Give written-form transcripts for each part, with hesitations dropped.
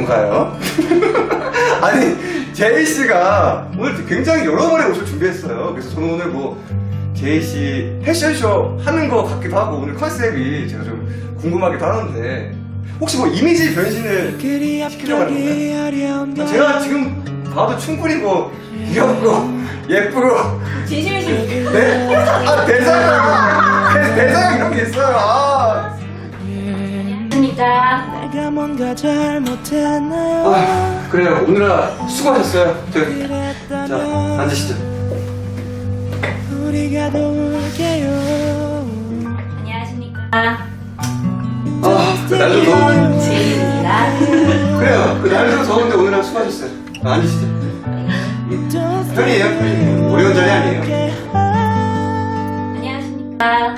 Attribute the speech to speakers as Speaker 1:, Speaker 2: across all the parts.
Speaker 1: 뭔가요? 아니 제이씨가 오늘 굉장히 여러 번의 옷을 준비했어요. 그래서 저는 오늘 뭐 제이씨 패션쇼 하는 거 같기도 하고 오늘 컨셉이 제가 좀 궁금하기도 하는데 혹시 뭐 이미지 변신을 시키려고 하는 건가요? 제가 지금 봐도 충분히 뭐 귀엽고 예쁘고
Speaker 2: 진심이신
Speaker 1: 네? 아 대사가 이런 게 있어요.
Speaker 2: 안녕하십니까.
Speaker 3: 내가 뭔가 잘못했나요?
Speaker 1: 아 그래요. 오늘아 수고하셨어요. 자 앉으시죠.
Speaker 3: 우리가 도울게요.
Speaker 2: 안녕하십니까.
Speaker 1: 그 날도 더운
Speaker 2: 제이입니다.
Speaker 1: 그래요. 그 날도 더운데 오늘아 수고하셨어요. 앉으시죠. 편이에요. 편이 어려운 자리 아니에요.
Speaker 2: 안녕하십니까.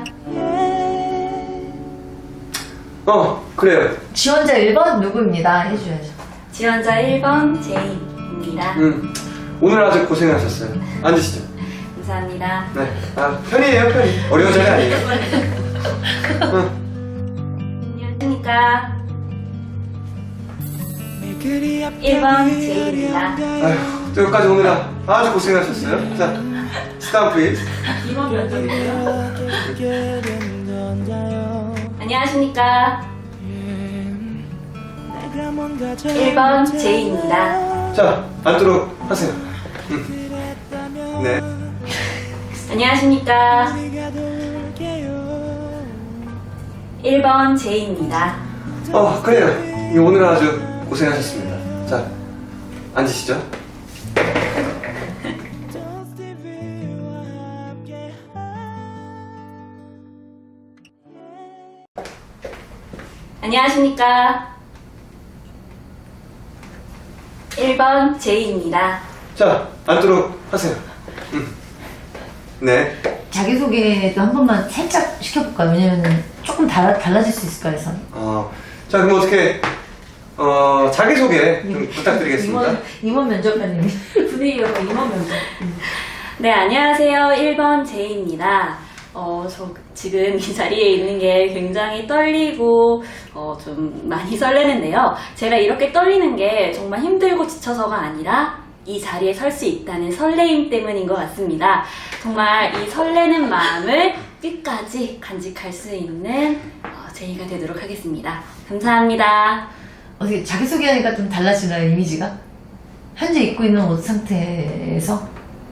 Speaker 1: 그래요.
Speaker 4: 지원자 1번 누구입니다 해줘야죠.
Speaker 2: 지원자 1번 제이입니다.
Speaker 1: 오늘 아주 고생하셨어요. 앉으시죠.
Speaker 2: 감사합니다.
Speaker 1: 네. 편이에요. 편이 어려운 자리 아니에요.
Speaker 2: 안녕하십니까. 1번 제이입니다.
Speaker 1: 아휴, 여기까지 오느라 아주 고생하셨어요. 자, 스탑 플리즈.
Speaker 2: 2번 면접이고요. 안녕하십니까. 1번 제이입니다.
Speaker 1: 자, 앉도록 하세요. 네.
Speaker 2: 안녕하십니까. 1번 제이입니다.
Speaker 1: 그래요. 오늘 아주 고생하셨습니다. 자, 앉으시죠.
Speaker 2: 안녕하십니까. 1번 제이입니다.
Speaker 1: 자, 앉도록 하세요. 네.
Speaker 4: 자기소개도 한 번만 살짝 시켜볼까요? 왜냐면 조금 달라질 수 있을까 해서.
Speaker 1: 자, 그럼 어떻게, 자기소개 좀 부탁드리겠습니다.
Speaker 4: 임원 면접관님.
Speaker 2: 분위기가 임원 면접. 네, 안녕하세요. 1번 제이입니다. 저 지금 이 자리에 있는 게 굉장히 떨리고, 좀 많이 설레는데요. 제가 이렇게 떨리는 게 정말 힘들고 지쳐서가 아니라 이 자리에 설 수 있다는 설레임 때문인 것 같습니다. 정말 이 설레는 마음을 끝까지 간직할 수 있는 제이가 되도록 하겠습니다. 감사합니다.
Speaker 4: 어떻게 자기소개하니까 좀 달라지나요, 이미지가? 현재 입고 있는 옷 상태에서?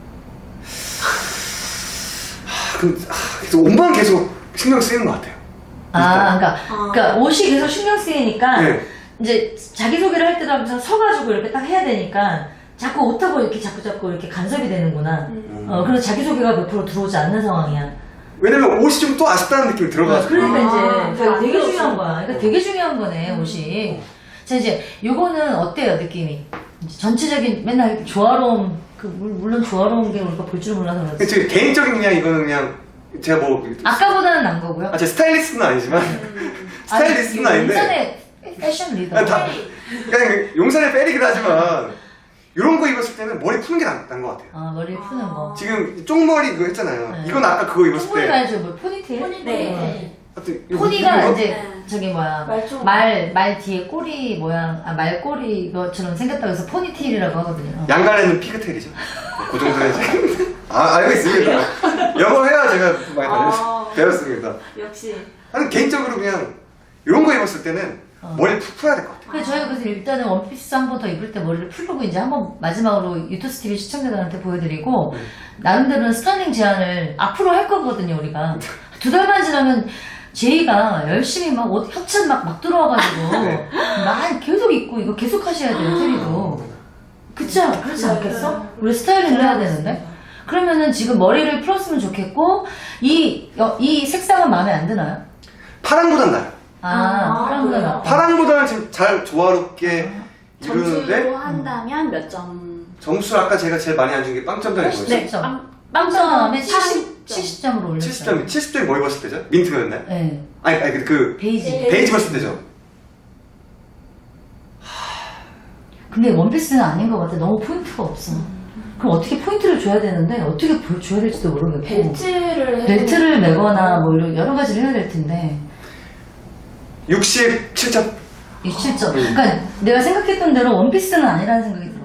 Speaker 1: 그래서 옷만 계속 신경 쓰이는 것 같아요.
Speaker 4: 그러니까 옷이 계속 신경 쓰이니까
Speaker 1: 네.
Speaker 4: 이제 자기소개를 할 때도 하면서 서가지고 이렇게 딱 해야 되니까 자꾸 옷하고 이렇게 자꾸 이렇게 간섭이 되는구나. 그래서 자기소개가 몇 프로 들어오지 않는 상황이야.
Speaker 1: 왜냐면 옷이 좀 또 아쉽다는 느낌이 들어가지고.
Speaker 4: 그러니까 이제
Speaker 2: 아,
Speaker 4: 되게 중요한 거야. 그러니까 되게 중요한 거네, 옷이. 자, 이제 요거는 어때요, 느낌이? 이제 전체적인 맨날 조화로움, 물론 조화로운 게 우리가 볼 줄 몰라서 그렇지.
Speaker 1: 제 개인적인 그냥 이거는 그냥 제가 뭐
Speaker 4: 아까보다는 난 거고요.
Speaker 1: 제 스타일리스트는 아니지만 스타일리스트는 아닌데
Speaker 4: 인터넷 패션 리더.
Speaker 1: 그냥 용산의 페리긴 하지만 이런 거 입었을 때는 머리 푸는 게 난 것 같아요.
Speaker 4: 머리 푸는 거.
Speaker 1: 지금 쪽머리 그거 했잖아요.
Speaker 4: 네.
Speaker 1: 이건 아까 그거 입었을
Speaker 4: 포니
Speaker 1: 때
Speaker 4: 말죠, 뭐 포니테일?
Speaker 2: 네.
Speaker 1: 하여튼 이거
Speaker 4: 포니가
Speaker 1: 이거?
Speaker 4: 이제
Speaker 2: 네.
Speaker 4: 저기 뭐야
Speaker 2: 말총.
Speaker 4: 말 뒤에 꼬리 모양 말꼬리 것처럼 생겼다고 해서 포니테일이라고 하거든요.
Speaker 1: 양갈래는 피그테일이죠. 그 정도는 이제 알고 있습니다. 영어 해야 제가 많이 배웠습니다.
Speaker 2: 역시.
Speaker 1: 나는 개인적으로 그냥 이런 거 입었을 때는 머리를 푹 풀어야 될 것 같아요.
Speaker 4: 그래서 저희가 그래서 일단은 원피스 한 번 더 입을 때 머리를 풀고 이제 한번 마지막으로 유토스 TV 시청자들한테 보여드리고 나름대로는 스타일링 제안을 앞으로 할 거거든요 우리가. 2달만 지나면 제이가 열심히 막 옷 협찬 막 들어와가지고
Speaker 1: 네.
Speaker 4: 막 계속 입고 이거 계속 하셔야 돼요 테리도. 그렇지 않겠어? 우리 스타일링을 해야 되는데. 그러면은 지금 머리를 풀었으면 좋겠고 이 색상은 마음에 안 드나요?
Speaker 1: 파랑보단 나요.
Speaker 4: 파랑보다 낫다.
Speaker 1: 파랑보다는 지금 잘 조화롭게
Speaker 2: 점수로
Speaker 1: 이루는데
Speaker 2: 한다면 몇 점?
Speaker 1: 점수 아까 제가 제일 많이 안 준 게 빵점당인 거였어요.
Speaker 2: 네.
Speaker 4: 80점.
Speaker 2: 빵점에
Speaker 4: 70점으로 올렸어요.
Speaker 1: 70점이 뭐 입었을 때죠? 민트였나요?
Speaker 4: 네.
Speaker 1: 아니 그
Speaker 4: 베이지.
Speaker 1: 베이지 입었을 때죠?
Speaker 4: 근데 원피스는 아닌 것 같아. 너무 포인트가 없어. 그럼 어떻게 포인트를 줘야 되는데 어떻게 줘야 될지도 모르겠고. 벨트를 매거나 뭐 이런 여러 가지를 해야 될 텐데.
Speaker 1: 67점.
Speaker 4: 27점. 그러니까 내가 생각했던 대로 원피스는 아니라는 생각이 들어요.